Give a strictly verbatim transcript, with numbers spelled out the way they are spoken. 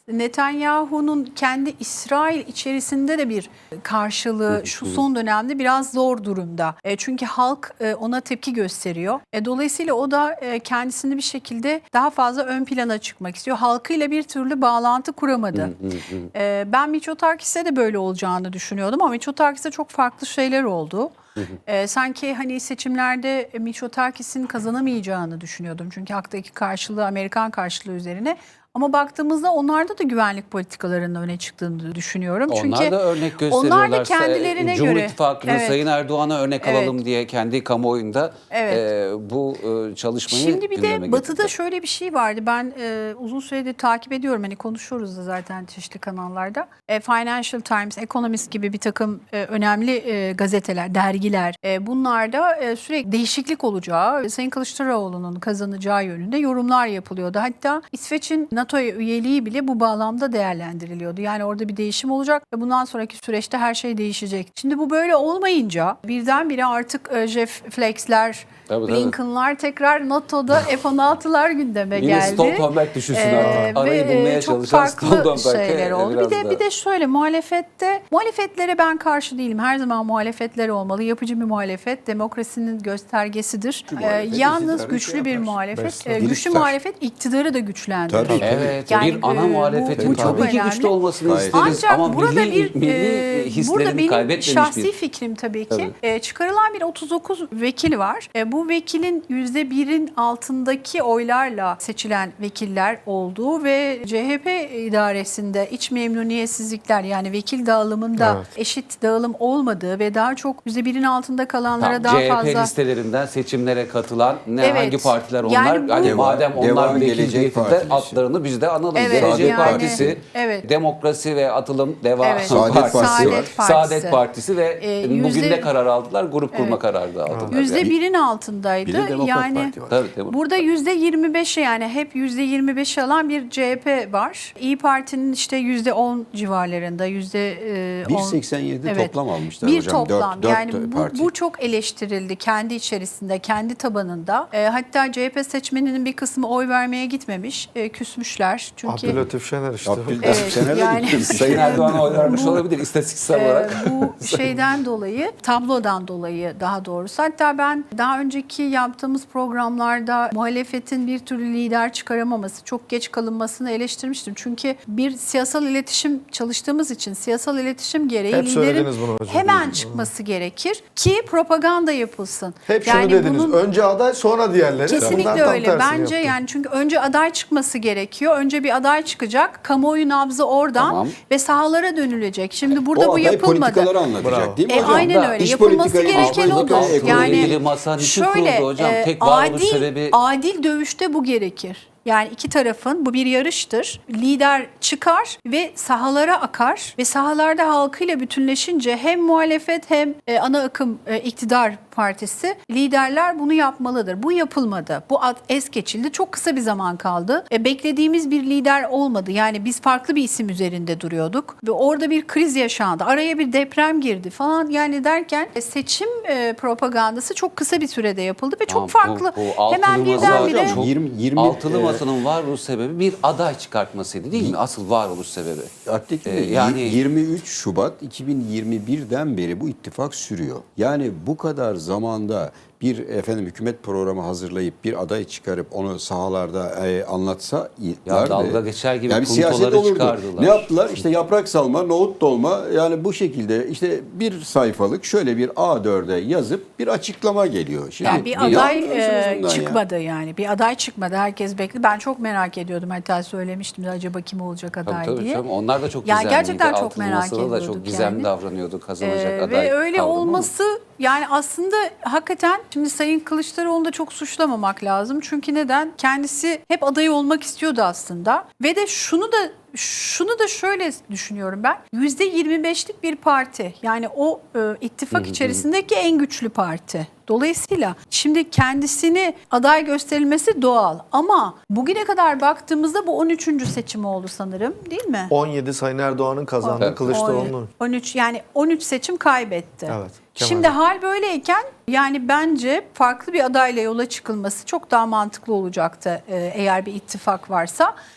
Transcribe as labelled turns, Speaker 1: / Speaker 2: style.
Speaker 1: Netanyahu'nun kendi İsrail içerisinde de bir karşılığı şu son dönemde biraz zor durumda. E, çünkü halk e, ona tepki gösteriyor. E, dolayısıyla o da e, kendisini bir şekilde daha fazla ön plana çıkmak istiyor. Halkıyla bir türlü bağlantı kuramadı. e, ben Mitsotakis'e de böyle olacağını düşünüyordum ama Mitsotakis'e çok farklı şeyler oldu. Ee, sanki hani seçimlerde Mitsotakis'in kazanamayacağını düşünüyordum. Çünkü haktaki karşılığı Amerikan karşılığı üzerine. Ama baktığımızda onlarda da güvenlik politikalarının öne çıktığını düşünüyorum.
Speaker 2: Onlar
Speaker 1: Çünkü
Speaker 2: da örnek gösteriyorlar.
Speaker 1: onlar da kendilerine
Speaker 2: Cumhur
Speaker 1: göre.
Speaker 2: İttifakı'nın
Speaker 1: Evet.
Speaker 2: Sayın Erdoğan'a örnek
Speaker 1: Evet.
Speaker 2: alalım diye kendi kamuoyunda
Speaker 1: Evet.
Speaker 2: e, bu e, çalışmayı
Speaker 1: Şimdi bir
Speaker 2: gündeme
Speaker 1: de Batı'da
Speaker 2: getirdi.
Speaker 1: şöyle bir şey vardı. Ben e, uzun süredir takip ediyorum. Hani konuşuyoruz da zaten çeşitli kanallarda. E, Financial Times, Economist gibi bir takım e, önemli e, gazeteler, dergiler. E, bunlarda e, sürekli değişiklik olacağı, Sayın Kılıçdaroğlu'nun kazanacağı yönünde yorumlar yapılıyordu. Hatta İsveç'in NATO'ya üyeliği bile bu bağlamda değerlendiriliyordu. Yani orada bir değişim olacak ve bundan sonraki süreçte her şey değişecek. Şimdi bu böyle olmayınca birdenbire artık e, Jeff Flakes'ler,
Speaker 2: Tabii, tabii.
Speaker 1: Blinken'lar tekrar NATO'da F on altılar gündeme
Speaker 2: Yine
Speaker 1: geldi.
Speaker 2: Stoltenberg düşünsün
Speaker 1: Ee,
Speaker 2: artık. Arayı
Speaker 1: ve
Speaker 2: bulmaya
Speaker 1: çok
Speaker 2: çalışan
Speaker 1: farklı
Speaker 2: Stoltenberg'e
Speaker 1: şeyler oldu. Bir
Speaker 2: biraz
Speaker 1: de
Speaker 2: da-
Speaker 1: bir de şöyle muhalefette muhalefetlere ben karşı değilim. Her zaman muhalefetler olmalı. Yapıcı bir muhalefet demokrasinin göstergesidir. Ee,
Speaker 3: muhalefet
Speaker 1: yalnız
Speaker 3: iktidarı
Speaker 1: güçlü
Speaker 3: şey
Speaker 1: bir
Speaker 3: yapar.
Speaker 1: muhalefet,
Speaker 3: Besler.
Speaker 1: e, güçlü
Speaker 3: Geliştirir.
Speaker 1: muhalefet iktidarı da güçlendirir.
Speaker 3: Tabii.
Speaker 2: Evet,
Speaker 1: Yani,
Speaker 2: bir ana
Speaker 1: e, bu-
Speaker 2: muhalefetin
Speaker 1: bu çok
Speaker 2: tabii ki
Speaker 1: önemli.
Speaker 2: güçlü olmasını
Speaker 3: Gayet.
Speaker 2: isteriz.
Speaker 1: Ancak
Speaker 2: Ama
Speaker 1: burada
Speaker 2: milli,
Speaker 1: bir
Speaker 2: milli
Speaker 1: e,
Speaker 2: hislerini
Speaker 1: burada benim
Speaker 2: kaybetmemiş
Speaker 1: şahsi
Speaker 2: bir...
Speaker 1: fikrim tabii ki
Speaker 2: Tabii.
Speaker 1: e, çıkarılan bir otuz dokuz vekil var. E, bu vekilin yüzde birin altındaki oylarla seçilen vekiller olduğu ve C H P idaresinde iç memnuniyetsizlikler yani vekil dağılımında
Speaker 3: Evet.
Speaker 1: eşit dağılım olmadığı ve daha çok yüzde birin altında kalanlara
Speaker 2: Tamam,
Speaker 1: daha
Speaker 2: C H P
Speaker 1: fazla
Speaker 2: listelerinden seçimlere katılan ne
Speaker 1: Evet.
Speaker 2: hangi partiler onlar?
Speaker 1: Yani bu-
Speaker 2: hani
Speaker 3: Deva-
Speaker 2: madem onlar
Speaker 3: Deva
Speaker 2: vekil
Speaker 3: Gelecek
Speaker 2: niyetinde
Speaker 3: Partisi.
Speaker 2: adlarını biz de analım.
Speaker 1: Evet,
Speaker 2: Gelecek
Speaker 3: yani-
Speaker 2: Partisi,
Speaker 1: evet.
Speaker 2: Demokrasi ve Atılım Deva
Speaker 1: Evet.
Speaker 3: Saadet Partisi var.
Speaker 1: Saadet Partisi.
Speaker 2: Saadet Partisi ve
Speaker 1: Ee,
Speaker 2: bugün
Speaker 1: yüzde-
Speaker 2: ne karar aldılar? Grup kurma kararı da aldılar.
Speaker 1: yüzde
Speaker 2: Yani.
Speaker 1: birin altındaydı.
Speaker 3: Bir de Demokrat
Speaker 1: yani
Speaker 3: Parti var.
Speaker 2: Tabii, tabii.
Speaker 1: burada yüzde yirmi beşi yani hep yüzde yirmi beşi alan bir C H P var. İyi Parti'nin işte yüzde on civarlarında yüzde on.
Speaker 3: bir virgül seksen yedi toplam almışlar
Speaker 1: bir
Speaker 3: hocam.
Speaker 1: toplam.
Speaker 3: Dört- dört
Speaker 1: yani bu,
Speaker 3: parti.
Speaker 1: bu çok eleştirildi kendi içerisinde, kendi tabanında. E, hatta C H P seçmeninin bir kısmı oy vermeye gitmemiş, e, küsmüşler. Çünkü
Speaker 4: Abdülatif Şener işte.
Speaker 3: Abdül-
Speaker 1: Evet,
Speaker 3: Şener de
Speaker 1: yani-
Speaker 3: gitmiş.
Speaker 2: Sayın Erdoğan'a oy vermiş olabilir istatistiksel
Speaker 1: Ee,
Speaker 2: olarak.
Speaker 1: bu şeyden dolayı, tablodan dolayı daha doğrusu. Hatta ben daha önceki yaptığımız programlarda muhalefetin bir türlü lider çıkaramaması, çok geç kalınmasını eleştirmiştim. Çünkü bir siyasal iletişim çalıştığımız için siyasal iletişim gereği
Speaker 4: Hep
Speaker 1: liderin
Speaker 4: söylediniz bunu hocam.
Speaker 1: hemen çıkması gerekir ki propaganda yapılsın.
Speaker 4: Hep şunu dediniz. Önce aday sonra diğerleri. Bunlar
Speaker 1: Kesinlikle
Speaker 4: tam
Speaker 1: öyle.
Speaker 4: tersini
Speaker 1: Bence
Speaker 4: yaptı.
Speaker 1: yani çünkü önce aday çıkması gerekiyor. Önce bir aday çıkacak. Kamuoyu nabzı oradan
Speaker 2: Tamam.
Speaker 1: ve sahalara dönülecek. Şimdi burada
Speaker 3: O
Speaker 1: bu
Speaker 3: aday
Speaker 1: yapılmadı.
Speaker 3: politikaları anlatacak
Speaker 4: Bravo.
Speaker 3: değil mi
Speaker 1: E,
Speaker 3: hocam?
Speaker 1: aynen öyle.
Speaker 3: İş
Speaker 1: Yapılması
Speaker 3: politikayı,
Speaker 1: gereken
Speaker 3: dış
Speaker 1: odur.
Speaker 3: politikayı, ekonomiyi-
Speaker 1: Yani
Speaker 2: ilgili masa niçin
Speaker 1: şöyle
Speaker 2: kuruldu hocam?
Speaker 1: e,
Speaker 2: Tek varoluş
Speaker 1: adil,
Speaker 2: sebebi-
Speaker 1: adil dövüşte bu gerekir. Yani iki tarafın bu bir yarıştır. Lider çıkar ve sahalara akar ve sahalarda halkıyla bütünleşince hem muhalefet hem e, ana akım e, iktidar partisi liderler bunu yapmalıdır. Bu yapılmadı. Bu ad es geçildi. Çok kısa bir zaman kaldı. E, beklediğimiz bir lider olmadı. Yani biz farklı bir isim üzerinde duruyorduk ve orada bir kriz yaşandı. Araya bir deprem girdi falan yani derken e, seçim e, propagandası çok kısa bir sürede yapıldı ve çok
Speaker 2: Tamam, bu-
Speaker 1: farklı.
Speaker 2: bu altılı
Speaker 1: Hemen
Speaker 2: masa
Speaker 1: birdenbire
Speaker 2: hocam, çok-
Speaker 3: yirmi, yirmi,
Speaker 2: Altılı
Speaker 3: e,
Speaker 2: masanın varoluş sebebi bir aday çıkartmasıydı değil mi? Asıl varoluş sebebi.
Speaker 3: Artik
Speaker 2: Ee,
Speaker 3: yani
Speaker 2: yani-
Speaker 3: yirmi üç Şubat iki bin yirmi birden beri bu ittifak sürüyor. Yani bu kadar zamanda bir efendim hükümet programı hazırlayıp bir aday çıkarıp onu sahalarda e, anlatsa
Speaker 2: Ya dalga geçer gibi
Speaker 3: yani bir siyaset
Speaker 2: puntoları
Speaker 3: olurdu.
Speaker 2: çıkardılar.
Speaker 3: Ne yaptılar? İşte yaprak salma, nohut dolma yani bu şekilde işte bir sayfalık şöyle bir A dörde yazıp bir açıklama geliyor. Şimdi
Speaker 1: Yani bir
Speaker 3: ne
Speaker 1: aday
Speaker 3: anlıyorsunuz
Speaker 1: e,
Speaker 3: bundan ya?
Speaker 1: çıkmadı yani. Bir aday çıkmadı. Herkes bekliyor. Ben çok merak ediyordum. Hatta söylemiştim de acaba kim olacak aday
Speaker 2: Tabii, tabii,
Speaker 1: diye.
Speaker 2: tabii. Onlar da çok
Speaker 1: Yani
Speaker 2: gizemliydi.
Speaker 1: gerçekten çok
Speaker 2: Altılı
Speaker 1: merak
Speaker 2: Masada da
Speaker 1: ediyorduk
Speaker 2: çok gizemli
Speaker 1: yani.
Speaker 2: davranıyordu kazanacak
Speaker 1: Ee,
Speaker 2: aday.
Speaker 1: ve öyle
Speaker 2: kavramı.
Speaker 1: olması yani aslında hakikaten şimdi Sayın Kılıçdaroğlu'nu da çok suçlamamak lazım. Çünkü neden? Kendisi hep aday olmak istiyordu aslında. Ve de şunu da şunu da şöyle düşünüyorum ben. yüzde yirmi beşlik bir parti. Yani o e, ittifak içerisindeki en güçlü parti. Dolayısıyla şimdi kendisini aday gösterilmesi doğal. Ama bugüne kadar baktığımızda bu on üçüncü seçim oldu sanırım değil mi?
Speaker 4: on yedi Sayın Erdoğan'ın kazandığı
Speaker 2: Evet.
Speaker 4: Kılıçdaroğlu'nun.
Speaker 1: on üç yani on üç seçim kaybetti.
Speaker 4: Evet, Kemal
Speaker 1: Şimdi
Speaker 4: Bey.
Speaker 1: hal böyleyken yani bence farklı bir adayla yola çıkılması çok daha mantıklı olacaktı e, eğer bir ittifak varsa.